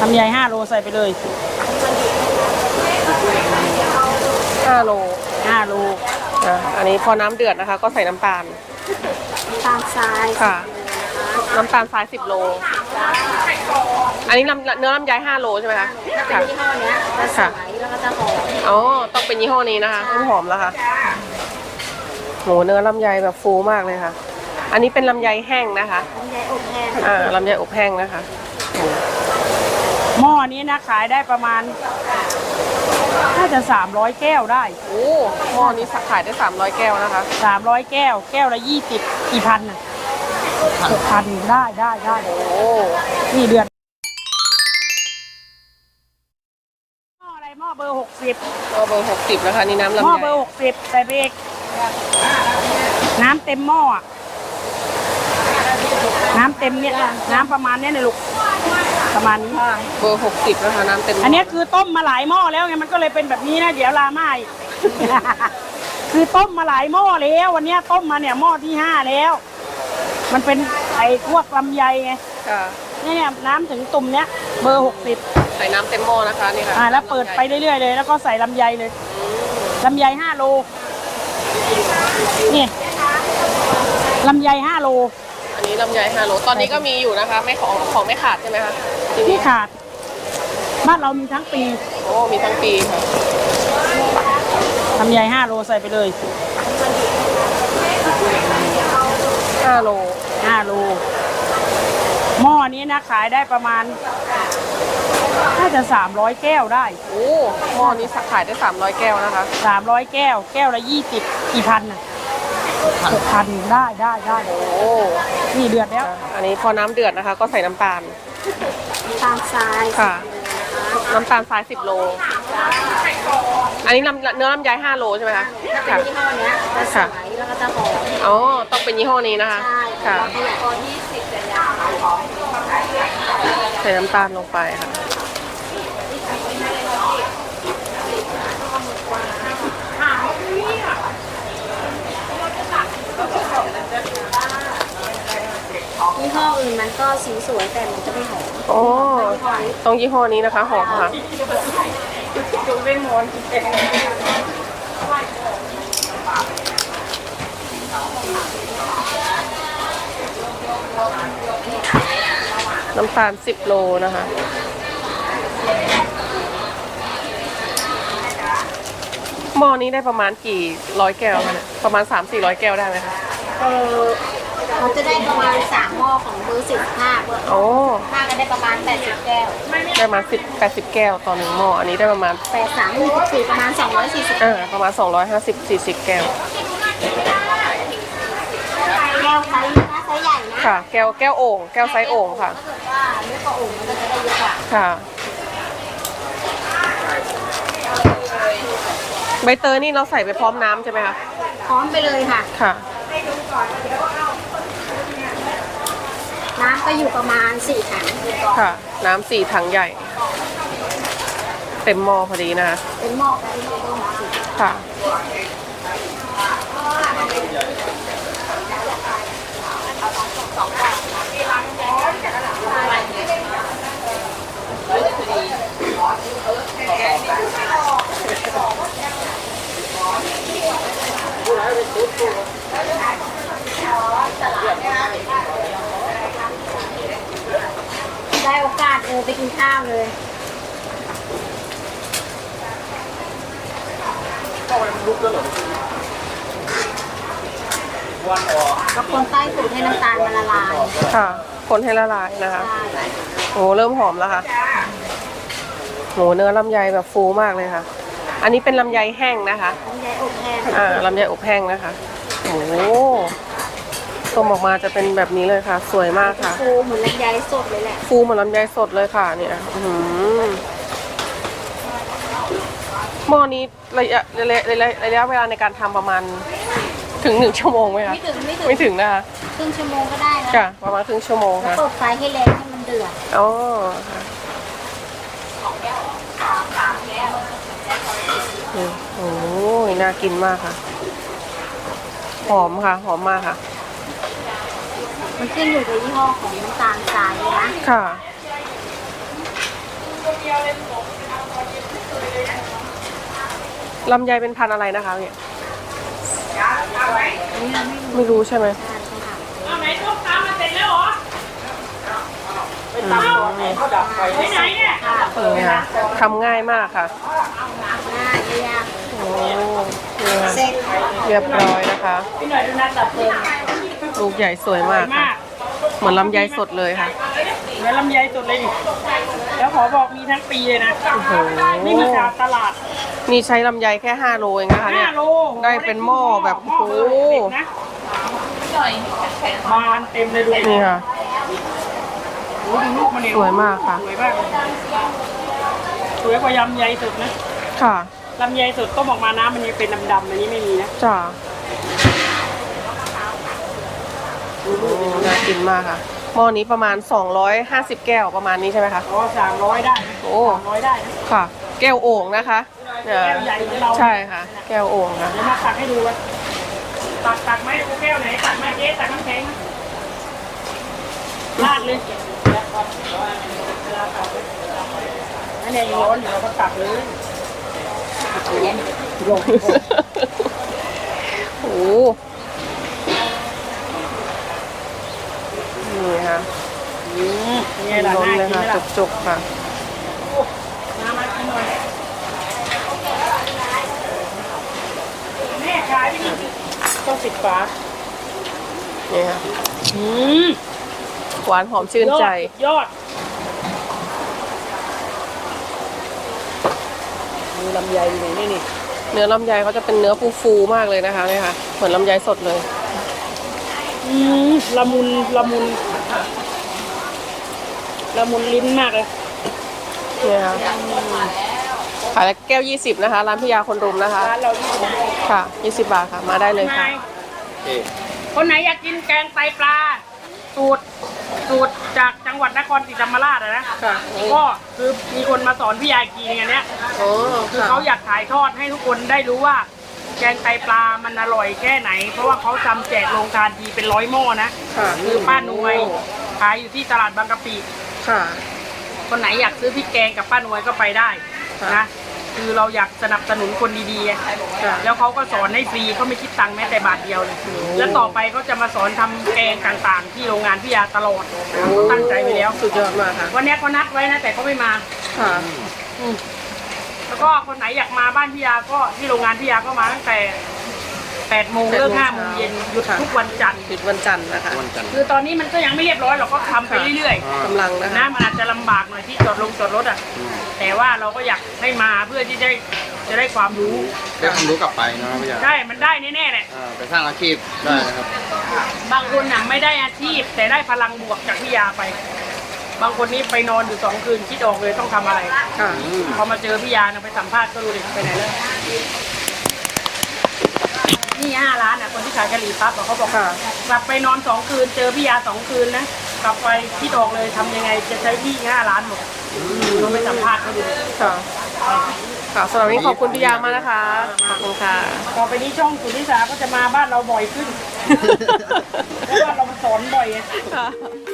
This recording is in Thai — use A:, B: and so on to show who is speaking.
A: ำไย5 โลใส่ไปเลย
B: 5 โล
A: 5 โล
B: อันนี้พอน้ำเดือดนะคะก็ใส่น้ำตาล
C: ทราย
B: ค่ะน้ำตาลทราย10 โลอันนี้เนื้อลำไย5 โลใช่ไหมคะ
C: ค่ะยี่ห้อนี้จะสวยแล้วก็จะหอม
B: อ๋อต้องเป็นยี่ห้อนี้นะคะหอมแล้วค่ะโหเนื้อลำไยแบบฟูมากเลยค่ะอันนี้เป็นลำไยแห้งนะคะ
C: ลำไยอบแห้ง
B: ลำไยอบแห้งนะคะ
A: หม้อนี้นะขายได้ประมาณน่าจะ300 แก้วได้
B: โอ้หม้อนี้ขายได้300 แก้วนะคะ
A: 300 แก้วแก้วละ20กี่พันน่ะ6,000ได้
B: โอ้
A: นี่เดือนหม้ออะไรหม้อเบอร์60
B: เบอร์60นะคะนี่น้ำลำไย
A: หม้อเบอร์60ใส่ไปอีกน้ำเต็มหม้อน้ำเต็มเนี่ยน้ำประมาณนี้เลยลูกประมาณนี้
B: เบอร์60นะคะน้ำเต็ม
A: อันนี้คือต้มมาหลายหม้อแล้วไงมันก็เลยเป็นแบบนี้นะเดี๋ยวลาไม่คือต้มมาหลายหม้อแล้ววันนี้ต้มมาเนี่ยหม้อที่5แล้วมันเป็นไอ้พวกลำไยไงเนี่ยน้ำถึงตุ่มเนี้ยเบอร์60
B: ใส่น้ำเต็มหม้อนะคะนี่ค่ะ
A: แล้วเปิดไปเรื่อยๆเลยแล้วก็ใส่ลำไยเลยลำไย5 โลนี่ลำไย5 โล
B: อันนี้ลำไย5 โลตอนนี้ก็มีอยู่นะคะไม่ของไม่ขาดใช่ไหมคะ
A: ที่ขาดบ้านเรามีทั้งปี
B: โอ้มีทั้งปีค่ะ
A: ลำไย5 โลใส่ไปเลย
B: 5 โล
A: 5 โลหม้อนี้นะขายได้ประมาณน่าจะ300 แก้วได้
B: โอ้หม้อนี้ขายได้300 แก้วนะคะ
A: 300 แก้วแก้วละ20กี่พันน่ะ6,000ได้
B: โอ้
A: นี่เดือดแล้ว
B: อันนี้พอน้ำเดือดนะคะก็ใส่น้ำตาล
C: ทราย
B: ค่ะน้ำตาลทราย10 โลอันนี้เนื้อลำไย5 โลใช่ไหมคะ
C: ค่ะยี่ห้อนี้จะสวยแล้วก็จะหอม
B: อ๋อต้องเป็นยี่ห้อนี้นะคะค่ะใส่น้ำตาลลงไปค่ะ
C: ยี่ห้ออื่นมันก็สีสวยแต่มันจะไม่หอม
B: อ๋อต้องยี่ห้อนี้นะคะหอมค่ะน้ำตาล10 โลนะคะหม้อนี้ได้ประมาณกี่ร้อยแก้วคะประมาณ300-400 แก้วได้ไหมคะ
C: เขาจะได้ประมาณ3 หม้อของเบอร์15
B: โอ้
C: 5ก็ได้ประมาณ80 แก้ว
B: ได้มา80 แก้วต่อ1 หม้ออันนี้ได้ประมาณ
C: 83ประมาณ240
B: ประมาณ250-40 แก้ว
C: แก้วไซส์ใหญ่นะ
B: ค่ะแก้วโอ่งแก้วไซส์โอ่งค่ะ
C: ถ้าเกิดว่าเล็กกว่าโอ่งมันก็จะได้เยอะกว่า
B: ค่ะใบเตยนี่เราใส่ไปพร้อมน้ำใช่ไหมคะ
C: พร้อมไปเลยค่ะ
B: ค่ะ
C: น้ำก็อยู่ประมาณ4 ถัง
B: ค่ะน้ำ4 ถังใหญ่เต็มหม้อพอดีนะคะ
C: เต็มหม้อ
B: ค่ะ
C: ได้โอกาสไปกินข้าวเลยก็คนใต้สูตรให้น้ำตาลมันละลาย
B: ค่ะคนให้ละลายนะคะโอ้เริ่มหอมแล้วค่ะโหเนื้อลำไยแบบฟูมากเลยค่ะอันนี้เป็นลำไยแห้งนะคะ
C: ลำไยอบแห้ง
B: ลำไยอบแห้งนะคะโอ้ต้มออกมาจะเป็นแบบนี้เลยค่ะสวยมากค่ะ
C: ฟูเหมือนลำไยสดเลยแหละ
B: ฟูเหมือนลำไยสดเลยค่ะเนี่ยหม้อนี้ระยะเวลาในการทำประมาณถึง1 ชั่วโมงไหมคะไม่ถึงนะคะ
C: ครึ่งชั่วโมงก็ได้นะ
B: ค่ะประมาณครึ่งชั่วโมงค่ะ
C: เปิดไฟให้แรงให้มันเดือด
B: อ๋อโอ้ยน่ากินมากค่ะหอมค่ะหอมมากค่ะ
C: มันขึ้นอยู่กับยี่ห้อของน้ำตาลทรายนะ
B: ค่ะ
A: ดียวเลยผม
B: ลำไยเป็นพันธุ์อะไรนะคะเนี่ย
A: เอาไหม
B: ไม่รู้ใช่ไหม
A: เอาไหนต้มตำมาเสร็จแล้วเหรอไปตำก่อนเขาดับไฟไปไหนเนี่ย
B: นี่ค่ะทำง่ายมากค่ะ
C: ง่ายไม่ยาก
B: โอ้นี่ค่ะ
C: เส้น
B: เรียบร้อยนะคะ
A: พี่หน่อยดูนัดดับเพลิง
B: ลูกใหญ่สวยมากค่ะ เหมือนลำไยสดเลยค่ะ
A: เหมือนลำไยสดเลยดิแล้วขอบอกมีทั้งปีเลยนะ
B: โอ้โห
A: นี่มีจากตลาด
B: นี่ใช้ลำไยแค่5 โลเองนะคะเนี่ย
A: 5 โล
B: ได้เป็นหม้อแบบ
A: หม้อ
B: โอ้โห
A: เด็กนะบานเต็มเลยดู
B: นี่ค่ะ
A: โอ้โหดูลูกมันเนี่ย
B: สวยมากค่ะ
A: สวยมากเลยสวยกว่ายำใยสดนะ
B: ค่ะ
A: ลำไยสดต้มออกมาน้ำมันยังเป็นดำๆอันนี้ไม่มีนะ
B: จ้าโอ้น่ากินมากค่ะ หม้อนี้ประมาณ250 แก้วประมาณนี้ใช่ไหมคะ
A: อ๋อ300 ได้
B: โอ้
A: 300 ได้นะ
B: ค่ะ แก้วโอ่งนะคะเนี่ย
A: แก้วใหญ่เหมือนเรา
B: ใช่ค่ะ แก้วโอ่งค่ะ
A: เดี๋ยวมาตักให้ดูกันตักไหมดูแก้วไหนตักมาเจ๊ตักน้ำแข็งราดเลยอันนี้ยังร้อนอยู่เราก็ตักเลย
B: โอ้โหนี่ค่ะ
A: นี่ล่ะ
B: ล้น
A: น่า
B: เลย
A: กิน
B: ค่ะ
A: ไหมล่ะ
B: จุกๆค่ะ
A: มากินหน่อยแม่ขายที่นี่ต้องปิดฝา
B: นี่ค่ะ
A: อืม
B: หวานหอมชื่นใจ
A: ยอดมีลำไยอยู่นี่นี่
B: เนื้อลำไยเขาจะเป็นเนื้อฟูๆมากเลยนะคะนี่ค่ะ เหมือนลำไยสดเลย
A: ละมุนละมุนละมุนลิ้นมากเลย
B: นี่ค่ะขายแล้วแก้ว20นะคะ ร้านพิยาคนรุมนะคะ
A: ร้านเราที่ผม
B: ค่ะ20 บาทค่ะ มาได้เลยค่ะ
A: คนไหนอยากกินแกงไตปลาสูตรจากจังหวัดนครศรีธรรมราชอะนะ
B: ค่ะ
A: ก็คือมีคนมาสอนพี่ยากีในอันเนี้ย
B: โอ้
A: คือ
B: ค่ะ
A: เขาอยากถ่ายทอดให้ทุกคนได้รู้ว่า แกงไตปลามันอร่อยแค่ไหน เพราะว่าเขาทำแจกโรงทานทีเป็น100 หม้อนะ
B: ค่ะ
A: คือป้านวยขายอยู่ที่ตลาดบางกะปิ
B: ค่ะ
A: คนไหนอยากซื้อพริกแกงกับป้านวยก็ไปได้
B: ค่ะ
A: นะคือเราอยากสนับสนุนคนดีๆไง
B: ค่ะ
A: แล้วเขาก็สอนให้ฟรีเขาไม่คิดตังค์แม้แต่บาทเดียวเลยแล้วต่อไปเขาจะมาสอนทำแกงต่างๆ ที่โรงงานพี่ยาตลอดเขาตั้งใจไว้แล้ว
B: สุดยอดมากค่ะ
A: วันนี้เขานัดไว้นะแต่เขาไม่มา
B: ค่ะ
A: แล้วก็คนไหนอยากมาบ้านพี่ยาก็ที่โรงงานพี่ยาก็มาตั้งแต่8 โมงเลิก5 โมงเย็นหยุดทุกวันจันทร์
B: หยุดวันจันทร์นะคะ
A: คือตอนนี้มันก็ยังไม่เรียบร้อยเราก็ทำไปเรื่อยๆ
B: กำลังนะ
A: นะคะ มันอาจจะลำบากหน่อยที่จอดรถอ่ะ แต่ว่าเราก็อยากให้มาเพื่อที่จะได้ความรู้
D: ได้ความรู้กลับไปนะครับพี่ยา
A: ใช่ มันได้แน่ๆแหละ
D: ไปสร้างอาชีพได้นะครับ
A: บางคนน่ะไม่ได้อาชีพ แต่ได้พลังบวกจากพี่ยาไป บางคนนี้ไปนอนอยู่2 คืนคิดออกเลยต้องทำอะไร
B: ค่ะ
A: พอมาเจอพี่ยานะไปสัมภาษณ์ก็รู้เลยไปไหนแล้วนี่5 ล้านอ่ะคนที่ขายกะหรี่ปั๊บอะเขาบอก
B: ค่ะ
A: กลับไปนอน2 คืน เจอพี่ยา2 คืนนะกลับไปคิดออกเลยทำยังไงจะใช้ที่5 ล้านหมดเราไปสัมภาษณ์เขาดู
B: ค่ะ ค่ะสำหรับวันนี้ขอบคุณพี่ยามากนะคะ ขอบคุณค่ะ
A: ต่อไปนี้ช่องสุนิสาก็จะมาบ้านเราบ่อยขึ้น เพราะว่าเรามาสอนบ่อยไง
B: ค่ะ